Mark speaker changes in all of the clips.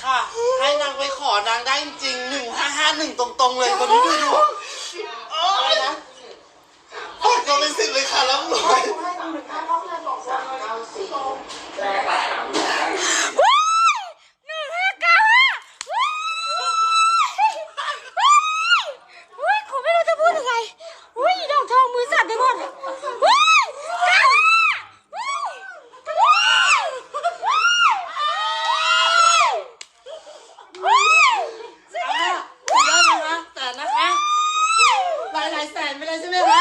Speaker 1: ค่ะให้นางไปขอนางได้จริง1551ตรงๆเลยคนนี้ดูอะไรนะฝากตัวเป็นสิทธิ์เลยค่ะรับรวยหลายแสนไปเลยใช่ไหมคะ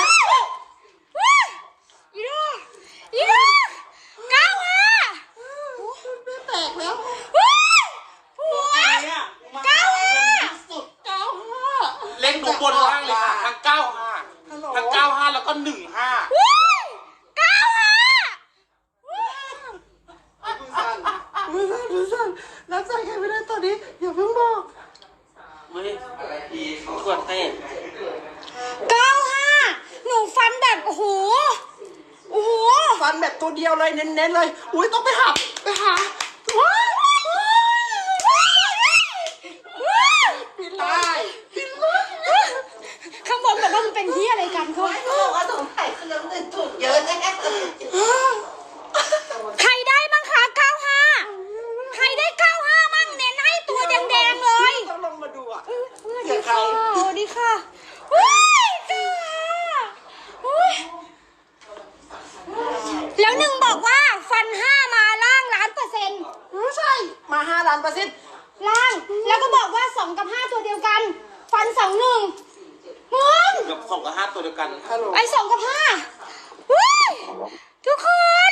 Speaker 1: แตกแล้วเล่นดูบนล่างเลยค่ะทั้ง95ทั้ง95แล้วก็15มือสั่นรับใจใครไม่ได้ตอนนี้อย่าเพิ่งบอกเฮ้ยขวดเต้
Speaker 2: หนูฟันแบบโอ้โห
Speaker 1: ฟันแบบตัวเดียวเลยเน้นๆเลยอุ้ยต้องไปหาปิดเลย
Speaker 2: ข้างบนบอกว่ามันเป็นที่อะไรกันเขา
Speaker 3: ว่าสงสัยคือน้ำหนึ่งถูกเยอะแน่
Speaker 2: ใครได้บ้างคะ95ใครได้95มั่งเน้นให้ตัวแดงๆเลย
Speaker 1: ต้องลงมาดูอ่ะ
Speaker 2: ดีค่ะดีค่ะแล้วหนึ่งบอกว่าฟัน5มาล่าง1,000,000%
Speaker 1: ใช่มา5 ล้านเปอร์เซ็นต์
Speaker 2: ล่างแล้วก็บอกว่า2 กับ 5ตัวเดียวกันฟัน2 1มึง
Speaker 1: กับ2 กับ 5ตัวเดียวกัน
Speaker 2: ไอ้2 กับ 5ทุกคน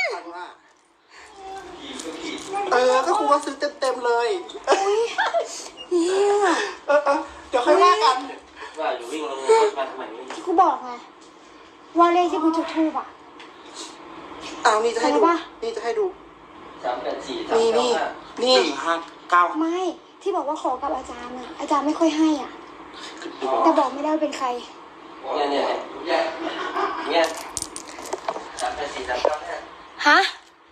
Speaker 1: ก็ครูว่าซื้อเต็มเลย
Speaker 2: เนี่ย
Speaker 1: เดี๋ยวค่อยว่ากัน
Speaker 4: ว่าอยู่วิ่งลงมาทำไม
Speaker 2: ที่กูบอกไงว่าเลขที่กูจุดทูบอ่ะ
Speaker 1: นี่จะให้ดูนี่จะให้ดูนี่1595
Speaker 2: ไม่ที่บอกว่าขอกับอาจารย์อ่ะอาจารย์ไม่ค่อยให้อ่ะแต่บอกไม่ได้ว่าเป็นใคร
Speaker 4: เนี่ย384 395
Speaker 2: ฮะ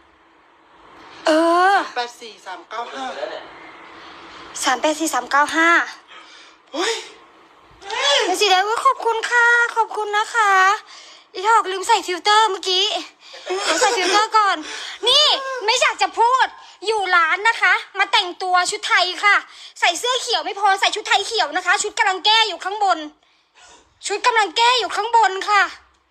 Speaker 1: 84395
Speaker 2: 384 395เฮ้ยแล้วสิได้ว่าขอบคุณค่ะขอบคุณนะคะอีทอกลืมใส่ฟิลเตอร์เมื่อกี้ใส่ฟิลเตอร์ก่อนนี่ไม่อยากจะพูดอยู่ร้านนะคะมาแต่งตัวชุดไทยค่ะใส่เสื้อเขียวไม่พอใส่ชุดไทยเขียวนะคะชุดกำลังแก้อยู่ข้างบนค่ะ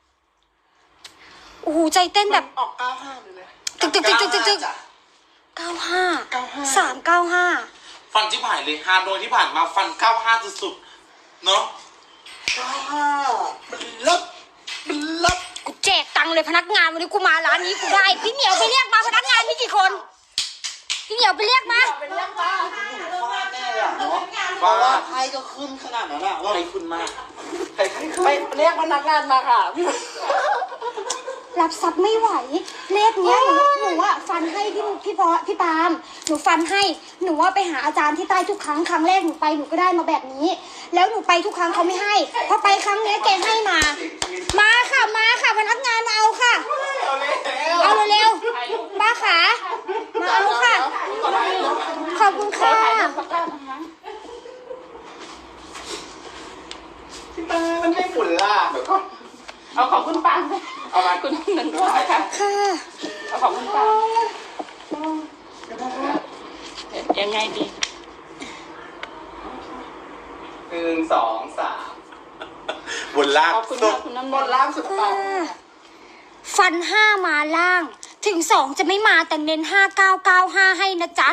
Speaker 2: โอ้โหใจเต้นแบบ
Speaker 1: ออก95เลย
Speaker 2: ตึก95 395
Speaker 4: ฟันที่ผ่านเลยฮาโดยที่ผ่านมาฟัน95สุดๆเนาะ
Speaker 1: มันลบ
Speaker 2: กูแจกตังค์เลยพนักงานวันนี้กูมาร้านนี้กูได้พี่เหนียวไปเรียกมาพนักงานมีกี่คนพี่เหนียวไปเรียกมา
Speaker 1: แน่เลยเนาะเพราะว่าไพ่ก็ขึ้นขนาดนั้นอะว่าไพ่ขึ้นมากไปเรียกพนักงานมาค่ะ
Speaker 2: รับทรัพย์ไม่ไหวเลขเนี้ยหนูว่าฟันให้พี่ปาล์มหนูฟันให้หนูว่าไปหาอาจารย์ที่ใต้ทุกครั้งแรกหนูไปหนูก็ได้มาแบบนี้แล้วหนูไปทุกครั้งเขาไม่ให้พอไปครั้งเนี้ยแกให้มาค่ะพนักงานมาเอาค่ะเอาเร็วป้าขามาเอาค่ะขอบคุณค่ะ
Speaker 1: มันไม่หมุนล่ะเดี๋ยวก็
Speaker 3: เอาของคุณปังเอามาคุณหนึ่งด้วยค่ะเอาของคุณปังยังไงดี
Speaker 1: 1 2 3บนล่างบนล่างสุดปัง
Speaker 2: ฟัน5มาล่างถึง2จะไม่มาแต่เน้น5995ให้นะจ๊ะ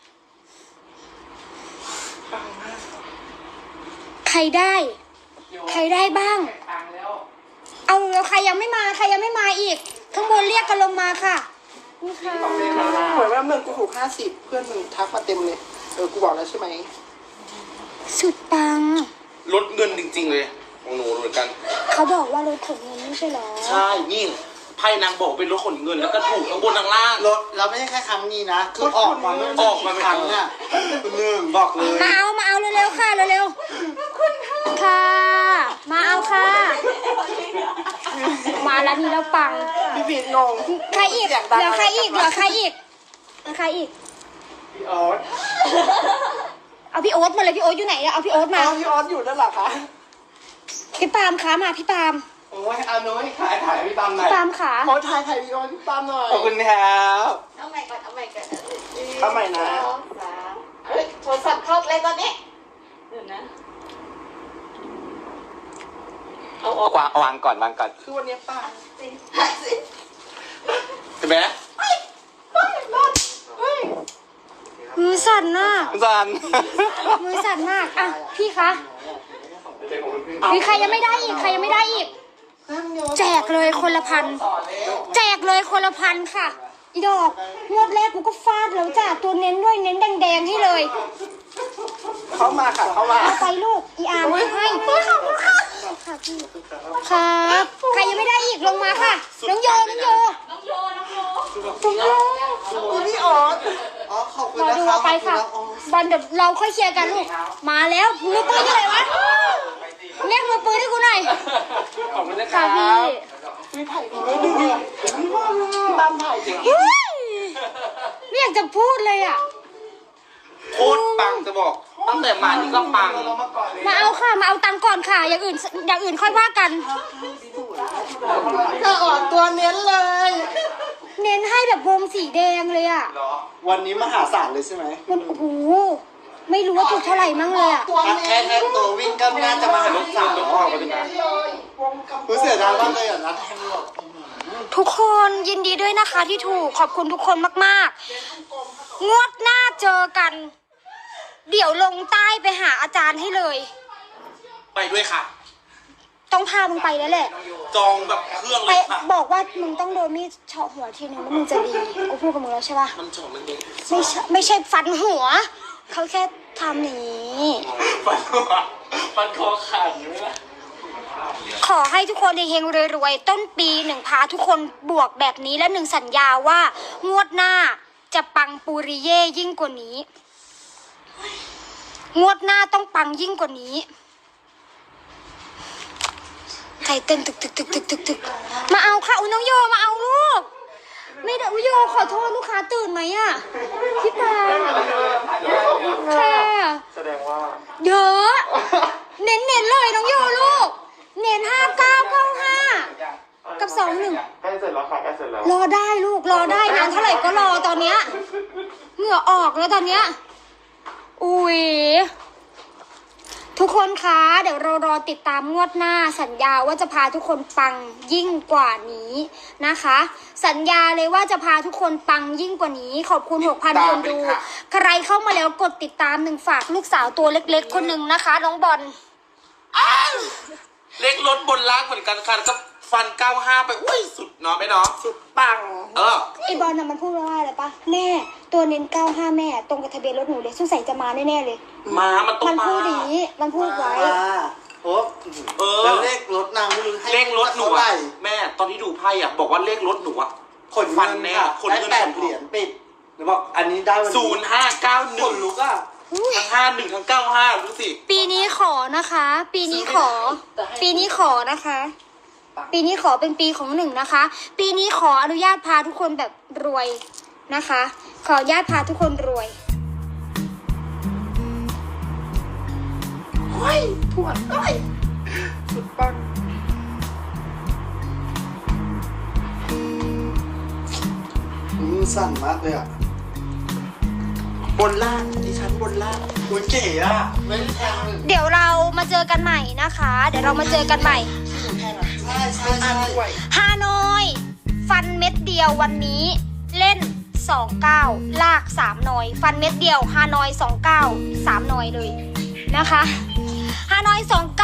Speaker 2: ใครได้บ้างเอาแล้วใครยังไม่มาอีกข้างบนเรียกกันลงมาค่ะนี่ค่ะ
Speaker 1: เหมือนว่าเมืองกูถูก50เพื่อนมึงทักมาเต็มเลยกูบอกแล้วใช่ไหม
Speaker 2: สุดปัง
Speaker 4: ลดเงินจริงๆเลยของหนูเหมือนกัน
Speaker 2: เขาบอกว่ารถขนเงินไม่ใช่หรอ
Speaker 4: ใช่นี่ไพ่นางบอกเป็นรถขนเงินแล้วก็ถูกทั้งบนทั้งล่าง
Speaker 1: รถเราไม่ใช่แค่ครั้งนี้นะคือออกมาเป็นครั้งเนี่ยหนึ่งบอกเลย
Speaker 2: มาเอาเร็วๆค่ะเร็วๆค่ะมาเอาค่ะมาแล้วนี่แล้วปัง
Speaker 1: พี่พีทงง
Speaker 2: ใครอีกเหลือใครอีก
Speaker 1: พี่ออส
Speaker 2: เอาพี่โอ๊ตมาเลยพี่โอ๊ตอยู่ไหนอะเอาพี่โอ๊ตมา
Speaker 1: พี่ออสอยู่นั่นเหรอคะ
Speaker 2: พี่ปาล์มคะมาพี่ปาล์ม
Speaker 1: โอ้ยอาน้อยถ่ายพี่ตามหน่อ
Speaker 2: พี่
Speaker 1: ย
Speaker 2: ปาล์มขา
Speaker 1: โอ้ถ่ายพี่ออสพี่ตามหน่อยขอบคุณครับ
Speaker 3: เอาใหม่ก่อนเอาใหม่ก่อน
Speaker 1: เอาใหม่นะ
Speaker 3: สองสามเฮ้ยโทรศัพท์เข้าเลยตอนนี้เดี๋ยวนะเอาออก
Speaker 4: วางก่อน
Speaker 1: คือวันนี้ป้า
Speaker 3: สิถ่ายสิ
Speaker 4: เห็นไหม
Speaker 2: มือสั่นน่ะ
Speaker 4: จัน
Speaker 2: มือสั่นมากอ่ะพี่คะมีใครยังไม่ได้อีกใครยังไม่ได้อีก แจกเลยคนละพันแจกเลยคนละพันค่ะอีดอกงวดแรกกูก็ฟาดแล้วจ้ะตัวเน้นด้วยเน้นแดงๆให้เลย
Speaker 1: เข้ามาค่ะเข้ามา
Speaker 2: เอาไปลูกอีอาร์ให้ค่ะพี่ครับใครยังไม่ได้อีกลงมาค่ะน้องโยน้องโย
Speaker 3: น้องโยน้องโย
Speaker 1: พี่ออสอ๋อขอบคุณ
Speaker 2: รอ
Speaker 1: นะ
Speaker 2: ดู
Speaker 1: ครับ
Speaker 2: เอาไปค่ะบอลเดี๋ยวเราค่อยเคลียร์กันลูกมาแล้วมือปืนที่ไหนวะเรียกมือปืนให้กูหน่อย
Speaker 4: ขอบคุณนะค
Speaker 2: ค่ะ
Speaker 4: รับ
Speaker 2: พี่
Speaker 1: ตามถ่ายจริง
Speaker 2: เฮ้ยไม่อยากจะพูดเลยอ่ะ
Speaker 4: โคตรปังจะบอก ตั้งแต่มานี่ก็ปัง
Speaker 1: เรามาก่อนเลย
Speaker 2: มาเอาค่ะมาเอาตังค์ก่อนค่ะอย่างอื่นค่อยว่ากัน
Speaker 1: จะออกตัวเน้นเลย
Speaker 2: เน้นให้แบบวงสีแดงเลยอ่ะ
Speaker 1: วันนี้มหาศาลเลยใช่ไหม
Speaker 2: มันโอ้โหไม่รู้ว่าถูกเท่าไหร่มั่งเลยอ่ะ
Speaker 1: แค่ตัววิ่งก็น่าจะมาหาลูกสาว
Speaker 4: ต้องออกไปด้วยนะ
Speaker 1: รู้เสียดายมากเลยอ่ะนะแทงหลบ
Speaker 2: ทุกคนยินดีด้วยนะคะที่ถูกขอบคุณทุกคนมากๆ งวดหน้าเจอกัน เดี๋ยวลงใต้ไปหาอาจารย์ให้เลย
Speaker 4: ไปด้วยค่ะ
Speaker 2: ต้องพามึงไปแล้วแหละ
Speaker 4: จองแบบเครื่อง
Speaker 2: ไป
Speaker 4: เลยค่ะ
Speaker 2: บอกว่ามึงต้องโดนมีดเฉาะหัวทีนึงแล้วมึงจะดีกูพูดกับมึงแล้วใช่ปะ
Speaker 4: มันจองมันเอง
Speaker 2: ไม่ใช่ฟันหัว เขาแค่ทำอย่างนี้
Speaker 4: ฟันคอขาดอยู่ไหมล่ะ
Speaker 2: ขอให้ทุกคนเฮงๆรวยๆต้นปีหนึ่งพาทุกคนบวกแบบนี้และหนึ่งสัญญาว่างวดหน้าจะปังปูริเย่ยิ่งกว่านี้ งวดหน้าต้องปังยิ่งกว่านี้ใจเต้นตึกมาเอาค่ะอุ้ยน้องโยมาเอาลูกไม่ได้อุ้ยโยขอโทษลูกค้าตื่นไหมอะพี่ปาค่ะ
Speaker 1: แสดงว่า
Speaker 2: เยอะเน้นเลยน้องโยลูกเน้น5995กับ21
Speaker 1: ใกล้เสร็จแล้วค่ะใกล้เสร็จแล้ว
Speaker 2: รอได้ลูกรอได้นานเท่าไหร่ก็รอตอนเนี้ยเหงื่อออกแล้วตอนเนี้ยอุ้ยทุกคนคะเดี๋ยวเรารอติดตามงวดหน้าสัญญาว่าจะพาทุกคนปังยิ่งกว่านี้นะคะ สัญญาเลยว่าจะพาทุกคนปังยิ่งกว่านี้ ขอบคุณ 6,000 คนดู ใครเข้ามาแล้วกดติดตามหนึ่งฝากลูกสาวตัวเล็กๆคนหนึ่งนะคะน้องบอล
Speaker 4: เล็กรถบนล่างเหมือนกันค่ะก็ฟัน 95 ไปอุ้ยสุดเนาะไม่เนาะ
Speaker 1: สุดปัง
Speaker 2: ไอบอลน่ะมันพูดว่าอะไรปะแม่ตัวเน้น95แม่ตรงกับทะเบียนรถหนูเลยสงสัยจะมาแน่ๆเลย
Speaker 4: มันต้อง
Speaker 2: มัน
Speaker 4: มา
Speaker 2: พูดอย่างนี้มันพูดไว้
Speaker 1: โอ้ แล้วเลขรถนางไม่รู้ให้
Speaker 4: เลขรถหนู
Speaker 1: เท่าไหร่
Speaker 4: อะแม่ตอนที่ดูไพ่อะบอกว่าเลขรถหนูอะ
Speaker 1: ขน
Speaker 4: ฟั
Speaker 1: เงิ
Speaker 4: น
Speaker 1: น
Speaker 4: แน่
Speaker 1: ค่ะ
Speaker 4: ขน
Speaker 1: ได้
Speaker 4: เงิน
Speaker 1: 8 เหรียญปิดหรือบอกอันนี้ได้วันนี้
Speaker 4: 0591
Speaker 1: ขนลุกอ่ะ
Speaker 4: ทั้ง51ทั้ง95รู้สิ
Speaker 2: ปีนี้ขอนะคะ ปีนี้ขอนะคะ ปีนี้ขอเป็นปีของหนึ่งนะคะ ปีนี้ขออนุญาตพาทุกคนแบบรวยนะคะ ขออนุญาตพาทุกคนรวยเฮ้ยปวดเอ้ย
Speaker 1: สุดปังสั่นมากเลยอ่ะ บนล่างดิฉันบนล่างอุ้ยเก๋อ่ะ ไม่ได้แทงเลย
Speaker 2: เดี๋ยวเรามาเจอกันใหม่นะคะ เดี๋ยวเรามาเจอกันใหม่
Speaker 1: ใช่ใช่ใช่
Speaker 2: ฮานอยฟันเม็ดเดียววันนี้เล่น29ลาก3หน่อยฟันเม็ดเดียวฮานอย29 3หน่อยเลยนะคะฮานอย